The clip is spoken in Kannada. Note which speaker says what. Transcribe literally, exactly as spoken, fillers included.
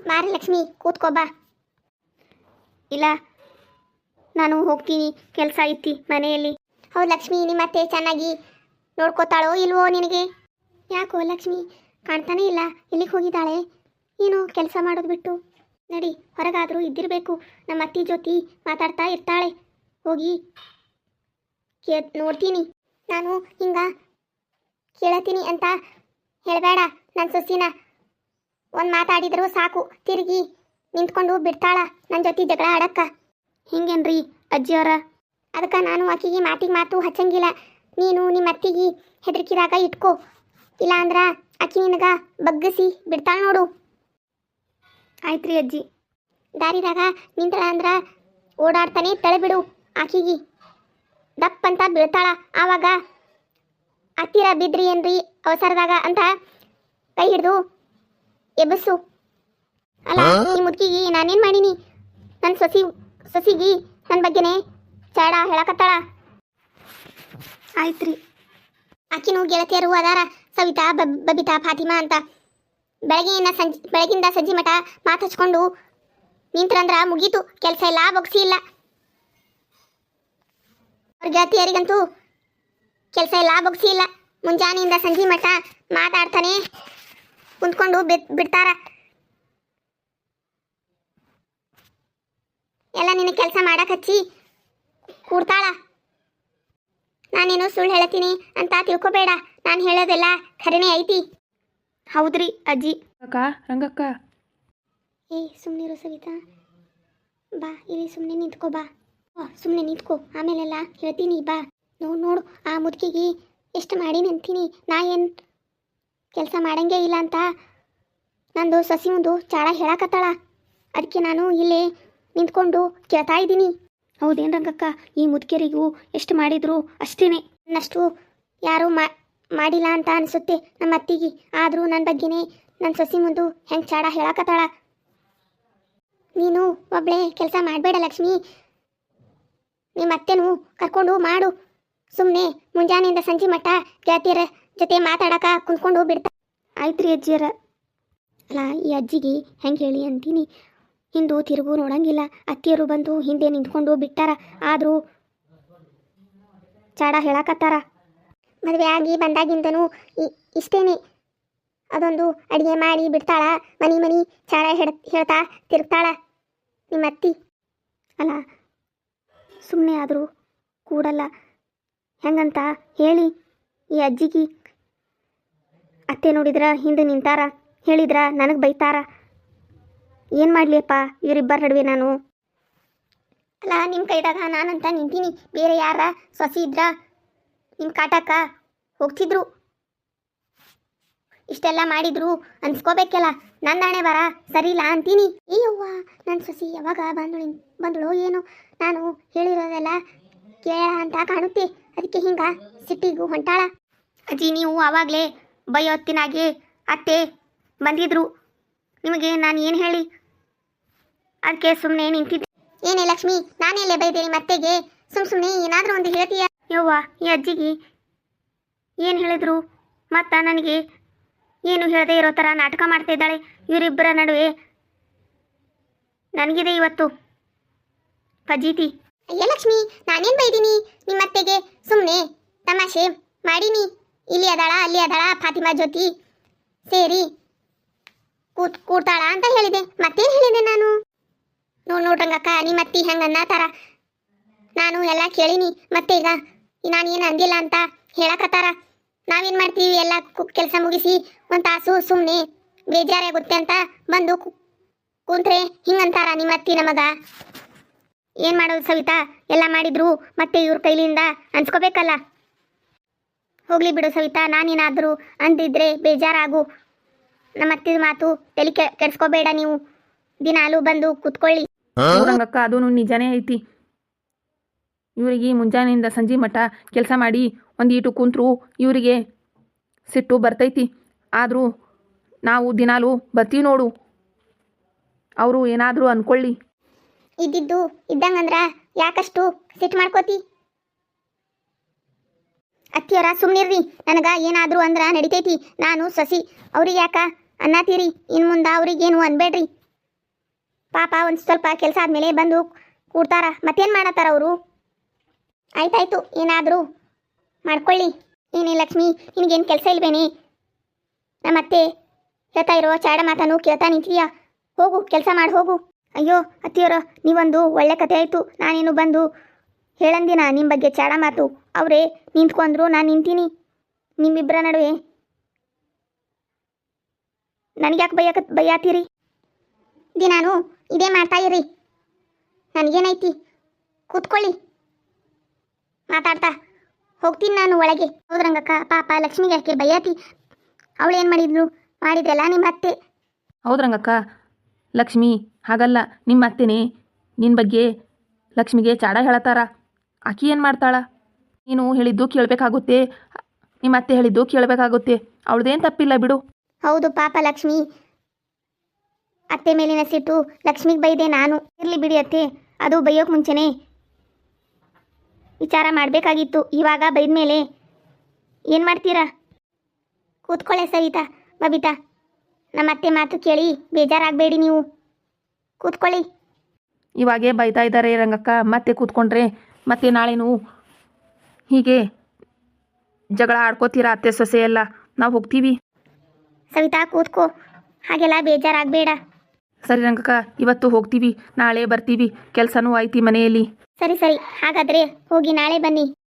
Speaker 1: ಬಾರಿ ಲಕ್ಷ್ಮಿ ಕೂತ್ಕೋ ಬಾ. ಇಲ್ಲ ನಾನು ಹೋಗ್ತೀನಿ, ಕೆಲಸ ಐತಿ ಮನೆಯಲ್ಲಿ. ಹೌದು ಲಕ್ಷ್ಮಿ, ನಿಮ್ಮತ್ತೆ ಚೆನ್ನಾಗಿ ನೋಡ್ಕೋತಾಳೋ ಇಲ್ವೋ ನಿನಗೆ? ಯಾಕೋ ಲಕ್ಷ್ಮಿ ಕಾಣ್ತಾನೇ ಇಲ್ಲ, ಇಲ್ಲಿಗೆ ಹೋಗಿದ್ದಾಳೆ ಏನು ಕೆಲಸ ಮಾಡೋದು ಬಿಟ್ಟು? ನಡಿ, ಹೊರಗಾದರೂ ಇದ್ದಿರಬೇಕು, ನಮ್ಮ ಅತ್ತಿ ಜೊತೆ ಮಾತಾಡ್ತಾ ಇರ್ತಾಳೆ. ಹೋಗಿ ಕೇ ನೋಡ್ತೀನಿ. ನಾನು ಹಿಂಗ ಕೇಳತೀನಿ ಅಂತ ಹೇಳಬೇಡ ನನ್ನ ಸೊಸಿನ. ಒಂದು ಮಾತಾಡಿದರೂ ಸಾಕು ತಿರುಗಿ ನಿಂತ್ಕೊಂಡು ಬಿಡ್ತಾಳ ನನ್ನ ಜೊತೆ ಜಗಳ ಆಡಕ್ಕ. ಹಿಂಗೇನ್ರಿ ಅಜ್ಜಿಯವರ? ಅದಕ್ಕೆ ನಾನು ಆಕಿಗೆ ಮಾತಿಗೆ ಮಾತು ಹಚ್ಚಂಗಿಲ್ಲ. ನೀನು ನಿಮ್ಮ ಅತ್ತಿಗೆ ಹೆದರಿಕಿದಾಗ ಇಟ್ಕೋ, ಇಲ್ಲ ಅಂದ್ರೆ ಆಕಿ ನಿನಗ ಬಗ್ಗಿಸಿ ಬಿಡ್ತಾಳ ನೋಡು. ಆಯ್ತು ರೀ ಅಜ್ಜಿ. ದಾರಿದಾಗ ನಿಂತಳ ಅಂದ್ರೆ ಓಡಾಡ್ತಾನೆ ತಳೆಬಿಡು, ಆಕಿಗೆ ದಪ್ಪಂತ ಬೀಳ್ತಾಳ. ಆವಾಗ ಹತ್ತಿರ ಬಿದ್ರಿ ಏನ್ರಿ ಅವಸರದಾಗ ಅಂತ ಕೈ ಹಿಡ್ದು ಎಬ್ಬಸು. ಅಲ್ಲ ಈ ಮುದುಕಿಗೆ ನಾನೇನು ಮಾಡೀನಿ? ನನ್ನ ಸೊಸಿ ಸೊಸಿಗಿ ನನ್ನ ಬಗ್ಗೆನೇ ಚಾಡ ಹೇಳಕತ್ತಾಳ. ಆಯ್ತು ರೀ. ಆಕಿನೂ ಗೆಳತಿಯರು ಅದಾರ, ಸವಿತಾ, ಬಬ್ ಬಬಿತಾ, ಫಾತಿಮಾ ಅಂತ. ಬೆಳಗ್ಗೆಯಿಂದ ಸಂಜೆ ಬೆಳಗಿಂದ ಸಂಜೆ ಮಠ ಮಾತು ಹಚ್ಕೊಂಡು ನಿಂತ್ರಂದ್ರ ಮುಗೀತು, ಕೆಲಸ ಇಲ್ಲ, ಬೊಗ್ಸಿ ಇಲ್ಲ. ಅವ್ರ ಗೆಳತಿಯರಿಗಂತೂ ಕೆಲಸ ಇಲ್ಲ, ಬೊಗ್ಸಿ ಇಲ್ಲ. ಮುಂಜಾನೆಯಿಂದ ಸಂಜೆ ಮಠ ಮಾತಾಡ್ತಾನೆ ಕುಂತ್ಕೊಂಡು ಬಿಡ್ ಬಿಡ್ತಾರ. ಎಲ್ಲ ನಿನ್ನ ಕೆಲಸ ಮಾಡಕ್ಕೆ ಹಚ್ಚಿ ಕೂಡ್ತಾಳ. ನಾನೇನು ಸುಳ್ಳು ಹೇಳ್ತೀನಿ ಅಂತ ತಿಳ್ಕೊಬೇಡ, ನಾನು ಹೇಳೋದೆಲ್ಲ ಖರೇನೇ ಐತಿ. ಹೌದ್ರಿ ಅಜ್ಜಿ.
Speaker 2: ಅಕ್ಕ, ರಂಗಕ್ಕ.
Speaker 1: ಏ ಸುಮ್ಮನಿರು ಸವಿತಾ, ಬಾ ಇಲ್ಲಿ ಸುಮ್ಮನೆ ನಿಂತ್ಕೋ ಬಾ. ಸುಮ್ಮನೆ ನಿಂತ್ಕೋ, ಆಮೇಲೆಲ್ಲ ಹೇಳ್ತೀನಿ ಬಾ. ನೋಡು ನೋಡು ಆ ಮುದುಕಿಗೆ ಎಷ್ಟು ಮಾಡೀನಿ ಅಂತೀನಿ. ನಾ ಏನು ಕೆಲಸ ಮಾಡಂಗೇ ಇಲ್ಲ ಅಂತ ನಂದು ಸಸಿ ಮುಂದು ಚಾಳ ಹೇಳಕತ್ತಾಳ. ಅದಕ್ಕೆ ನಾನು ಇಲ್ಲೇ ನಿಂತ್ಕೊಂಡು ಕೇಳ್ತಾ ಇದ್ದೀನಿ. ಹೌದೇನು ರಂಗಕ್ಕ? ಈ ಮುದುಕಿಯರಿಗೂ ಎಷ್ಟು ಮಾಡಿದ್ರು ಅಷ್ಟೇ, ನನ್ನಷ್ಟು ಯಾರೂ ಮಾಡಿಲ್ಲ ಅಂತ ಅನಿಸುತ್ತೆ ನಮ್ಮ ಅತ್ತಿಗೆ. ಆದರೂ ನನ್ನ ಬಗ್ಗೆನೇ ನನ್ನ ಸಸಿ ಮುಂದು ಹೆಂಗೆ ಚಾಡ ಹೇಳಕತ್ತಾಳ. ನೀನು ಒಬ್ಬಳೇ ಕೆಲಸ ಮಾಡಬೇಡ ಲಕ್ಷ್ಮಿ, ನಿಮ್ಮ ಅತ್ತೆನೂ ಕರ್ಕೊಂಡು ಮಾಡು. ಸುಮ್ಮನೆ ಮುಂಜಾನೆಯಿಂದ ಸಂಜೆ ಮಟ್ಟ ಗೆಳತಿಯರ ಜೊತೆ ಮಾತಾಡಕ ಕುಂತ್ಕೊಂಡು ಬಿಡ್ತಾ. ಆಯ್ತು ರೀ ಅಜ್ಜಿಯರ. ಅಲ್ಲ ಈ ಅಜ್ಜಿಗೆ ಹೆಂಗೆ ಹೇಳಿ ಅಂತೀನಿ, ಹಿಂದೂ ತಿರುಗು ನೋಡಂಗಿಲ್ಲ. ಅತ್ತಿಯರು ಬಂದು ಹಿಂದೆ ನಿಂತ್ಕೊಂಡು ಬಿಟ್ಟಾರ, ಆದರೂ ಚಾಡ ಹೇಳಕತ್ತಾರ. ಮದುವೆ ಆಗಿ ಬಂದಾಗಿಂದನೂ ಇಷ್ಟೇನೆ, ಅದೊಂದು ಅಡುಗೆ ಮಾಡಿ ಬಿಡ್ತಾಳ, ಮನಿ ಮನಿ ಚಾಡ ಹೇಳ ಹೇಳ್ತಾ ತಿರುಗ್ತಾಳ ನಿಮ್ಮ ಅತ್ತಿ. ಅಲ್ಲ ಸುಮ್ಮನೆ ಆದರೂ ಕೂಡಲ್ಲ, ಹೆಂಗಂತ ಹೇಳಿ ಈ ಅಜ್ಜಿಗೆ. ಅತ್ತೆ ನೋಡಿದ್ರ ಹಿಂದೆ ನಿಂತಾರ, ಹೇಳಿದ್ರ ನನಗೆ ಬೈತಾರ. ಏನು ಮಾಡಲಿಯಪ್ಪ ಇವರಿಬ್ಬರ ನಡುವೆ ನಾನು? ಅಲ್ಲ ನಿಮ್ಮ ಕೈದಾಗ ನಾನಂತ ನಿಂತೀನಿ, ಬೇರೆ ಯಾರ ಸೊಸಿ ಇದ್ರ ನಿಮ್ಮ ಕಾಟಕ್ಕ ಹೋಗ್ತಿದ್ರು. ಇಷ್ಟೆಲ್ಲ ಮಾಡಿದ್ರು ಅನ್ಸ್ಕೋಬೇಕಲ್ಲ, ನನ್ನ ಹಣೆ ಬರ ಸರಿ ಇಲ್ಲ ಅಂತೀನಿ. ಅಯ್ಯವ್ವ, ನನ್ನ ಸೊಸಿ ಯಾವಾಗ ಬಂದಳು ಬಂದಳು ಏನು? ನಾನು ಹೇಳಿರೋದೆಲ್ಲ ಕೇಳ ಅಂತ ಕಾಣುತ್ತೆ, ಅದಕ್ಕೆ ಹಿಂಗ ಸಿಟ್ಟಿಗೂ ಹೊಂಟಾಳ. ಅಜ್ಜಿ ನೀವು ಆವಾಗಲೇ ಬೈಯೊತ್ತಿನಾಗೆ ಅತ್ತೆ ಬಂದಿದ್ರು, ನಿಮಗೆ ನಾನು ಏನು ಹೇಳಿ? ಅದಕ್ಕೆ ಸುಮ್ಮನೆ ನಿಂತಿದ್ದೆ. ಏನೇ ಲಕ್ಷ್ಮಿ, ನಾನೆಲ್ಲೇ ಬೈದೇನಿ ಮತ್ತೆಗೆ? ಸುಮ್ಮ ಸುಮ್ಮನೆ ಏನಾದರೂ ಒಂದು ಹೇಳ್ತೀಯ? ಯವ್ವ, ಈ ಅಜ್ಜಿಗೆ ಏನು ಹೇಳಿದ್ರು? ಮತ್ತು ನನಗೆ ಏನು ಹೇಳದೇ ಇರೋ ಥರ ನಾಟಕ ಮಾಡ್ತಾ ಇದ್ದಾಳೆ. ಇವರಿಬ್ಬರ ನಡುವೆ ನನಗಿದೆ ಇವತ್ತು ಫಜೀತಿ. ಅಯ್ಯ ಲಕ್ಷ್ಮಿ, ನಾನೇನು ಬೈದೀನಿ ನಿಮ್ಮ ಅತ್ತೆಗೆ? ಸುಮ್ಮನೆ ತಮಾಷೆ ಮಾಡೀನಿ. ಇಲ್ಲಿ ಅದಾಳ ಅಲ್ಲಿ ಅದಾಳ ಫಾತಿಮಾ ಜ್ಯೋತಿ ಸೇರಿ ಕೂತ್ ಕೂಡ್ತಾಳ ಅಂತ ಹೇಳಿದೆ. ಮತ್ತೇನು ಹೇಳಿದೆ ನಾನು? ನೋಡ್ ನೋಡ್ರಂಗಕ್ಕ, ನಿಮ್ಮ ಅತ್ತಿ ಹೆಂಗೆ ಅನ್ನತಾರ, ನಾನು ಎಲ್ಲ ಕೇಳೀನಿ. ಮತ್ತೆ ಈಗ ನಾನು ಏನು ಅಂದಿಲ್ಲ ಅಂತ ಹೇಳಕತ್ತಾರ. ನಾವೇನು ಮಾಡ್ತೀವಿ, ಎಲ್ಲ ಕೆಲಸ ಮುಗಿಸಿ ಒಂದು ತಾಸು ಸುಮ್ಮನೆ ಬೇಜಾರಾಗುತ್ತೆ ಅಂತ ಬಂದು ಕೂತ್ರೆ ಹಿಂಗಂತಾರ ನಿಮ್ಮ ಅತ್ತಿ ನಮಗ. ಏನು ಮಾಡೋದು ಸವಿತಾ, ಎಲ್ಲ ಮಾಡಿದ್ರು ಮತ್ತೆ ಇವ್ರ ಕೈಲಿಂದ ಅನ್ಸ್ಕೋಬೇಕಲ್ಲ. ಹೋಗ್ಲಿ ಬಿಡು ಸವಿತಾ, ನಾನೇನಾದರೂ ಅಂದಿದ್ರೆ ಬೇಜಾರಾಗು. ನಮ್ಮ ಅತ್ತಿದ ಮಾತು ತಲೆ ಕೆ ಕೆಡ್ಸ್ಕೋಬೇಡ ನೀವು. ದಿನಾಲು ಬಂದು ಕೂತ್ಕೊಳ್ಳಿ.
Speaker 2: ರಂಗಕ್ಕ, ಅದೂ ನಿಜಾನೇ ಐತಿ. ಇವರಿಗೆ ಮುಂಜಾನೆಯಿಂದ ಸಂಜೆ ಮಠ ಕೆಲಸ ಮಾಡಿ ಒಂದು ಈಟು ಕುಂತ್ರು ಇವರಿಗೆ ಸಿಟ್ಟು ಬರ್ತೈತಿ. ಆದರೂ ನಾವು ದಿನಾಲು ಬರ್ತೀವಿ ನೋಡು, ಅವರು ಏನಾದರೂ ಅಂದ್ಕೊಳ್ಳಿ.
Speaker 1: ಇದ್ದಿದ್ದು ಇದ್ದಂಗಂದ್ರ ಯಾಕಷ್ಟು ಸಿಟ್ಟು ಮಾಡ್ಕೋತಿ? ಅತ್ತಿಯವರ ಸುಮ್ಮನಿರ್ರಿ, ನನಗೆ ಏನಾದರೂ ಅಂದ್ರೆ ನಡಿತೈತಿ. ನಾನು ಸಸಿ ಅವ್ರಿಗೆ ಯಾಕ ಅನ್ನತ್ತೀರಿ? ಇನ್ನು ಮುಂದೆ ಅವ್ರಿಗೇನು ಅನ್ಬೇಡ್ರಿ. ಪಾಪ ಒಂದು ಸ್ವಲ್ಪ ಕೆಲಸ ಆದಮೇಲೆ ಬಂದು ಕೂಡ್ತಾರ, ಮತ್ತೇನು ಮಾಡತ್ತಾರ ಅವರು? ಆಯ್ತಾಯ್ತು, ಏನಾದರೂ ಮಾಡ್ಕೊಳ್ಳಿ. ಏನೇ ಲಕ್ಷ್ಮಿ, ನಿನಗೇನು ಕೆಲಸ ಇಲ್ವೇನೆ? ನಮ್ಮತ್ತೆ ಹೇಳ್ತಾ ಇರೋ ಚಾಡ ಮಾತನ್ನು ಕೇಳ್ತಾ ನಿಂತೀಯಾ? ಹೋಗು, ಕೆಲಸ ಮಾಡಿ ಹೋಗು. ಅಯ್ಯೋ ಅತ್ತಿಯವರ, ನೀವೊಂದು ಒಳ್ಳೆ ಕತೆ ಆಯಿತು. ನಾನೇನು ಬಂದು ಹೇಳಂದಿನ ನಿಮ್ಮ ಬಗ್ಗೆ ಚಾಡ ಮಾತು. ಅವರೇ ನಿಂತ್ಕೊಂಡ್ರು, ನಾನು ನಿಂತೀನಿ. ನಿಮ್ಮಿಬ್ಬರ ನಡುವೆ ನನಗ್ಯಾಕೆ ಬೈಯಕ ಬೈಯಾತೀರಿ? ದಿನಾನು ಇದೇ ಮಾಡ್ತಾ ಇರಿ. ನನಗೇನೈತಿ, ಕೂತ್ಕೊಳ್ಳಿ, ಮಾತಾಡ್ತಾ ಹೋಗ್ತೀನಿ ನಾನು ಒಳಗೆ. ಹೌದ್ರಂಗಕ್ಕ, ಪಾಪ ಲಕ್ಷ್ಮಿಗೆ ಯಾಕೆ ಬೈಯಾತಿ? ಅವಳೇನು ಮಾಡಿದ್ಲು? ಮಾಡಿದ್ರಲ್ಲ ನಿಮ್ಮ ಅತ್ತೆ.
Speaker 2: ಹೌದ್ರಂಗಕ್ಕ, ಲಕ್ಷ್ಮಿ ಹಾಗಲ್ಲ, ನಿಮ್ಮ ಅತ್ತೆನೇ ನಿನ್ನ ಬಗ್ಗೆ ಲಕ್ಷ್ಮಿಗೆ ಚಾಡ ಹೇಳತ್ತಾರ. ಆಕಿ ಏನು ಮಾಡ್ತಾಳ? ನೀನು ಹೇಳಿದ್ದು ಕೇಳಬೇಕಾಗುತ್ತೆ, ನಿಮ್ಮ ಅತ್ತೆ ಹೇಳಿದ್ದು ಕೇಳಬೇಕಾಗುತ್ತೆ. ಅವಳದೇನು ತಪ್ಪಿಲ್ಲ ಬಿಡು.
Speaker 1: ಹೌದು ಪಾಪ ಲಕ್ಷ್ಮಿ, ಅತ್ತೆ ಮೇಲಿನ ಸಿಟ್ಟು ಲಕ್ಷ್ಮಿಗೆ ಬೈದೆ ನಾನು. ಇರಲಿ ಬಿಡಿ ಅತ್ತೆ, ಅದು ಬೈಯೋಕೆ ಮುಂಚೆನೇ ವಿಚಾರ ಮಾಡಬೇಕಾಗಿತ್ತು. ಇವಾಗ ಬೈದ ಮೇಲೆ ಏನು ಮಾಡ್ತೀರಾ? ಕೂತ್ಕೊಳ್ಳೆ ಸವಿತಾ, ಬಬಿತಾ. ನಮ್ಮ ಅತ್ತೆ ಮಾತು ಕೇಳಿ ಬೇಜಾರಾಗಬೇಡಿ ನೀವು, ಕೂತ್ಕೊಳ್ಳಿ.
Speaker 2: ಇವಾಗೇ ಬೈತಾ ಇದ್ದಾರೆ ರಂಗಕ್ಕ, ಮತ್ತೆ ಕೂತ್ಕೊಂಡ್ರೆ ಮತ್ತೆ ನಾಳೆನೂ ಹೀಗೆ ಜಗಳ ಆಡ್ಕೋತೀರಾ ಅತ್ತೆ ಸೊಸೆ ಎಲ್ಲ. ನಾವು ಹೋಗ್ತೀವಿ.
Speaker 1: ಸವಿತಾ ಕೂತ್ಕೋ, ಹಾಗೆಲ್ಲ ಬೇಜಾರಾಗಬೇಡ.
Speaker 2: ಸರಿ ರಂಗಕ್ಕ, ಇವತ್ತು ಹೋಗ್ತೀವಿ, ನಾಳೆ ಬರ್ತೀವಿ. ಕೆಲಸನೂ ಐತಿ ಮನೆಯಲ್ಲಿ.
Speaker 1: ಸರಿ ಸರಿ, ಹಾಗಾದರೆ ಹೋಗಿ ನಾಳೆ ಬನ್ನಿ.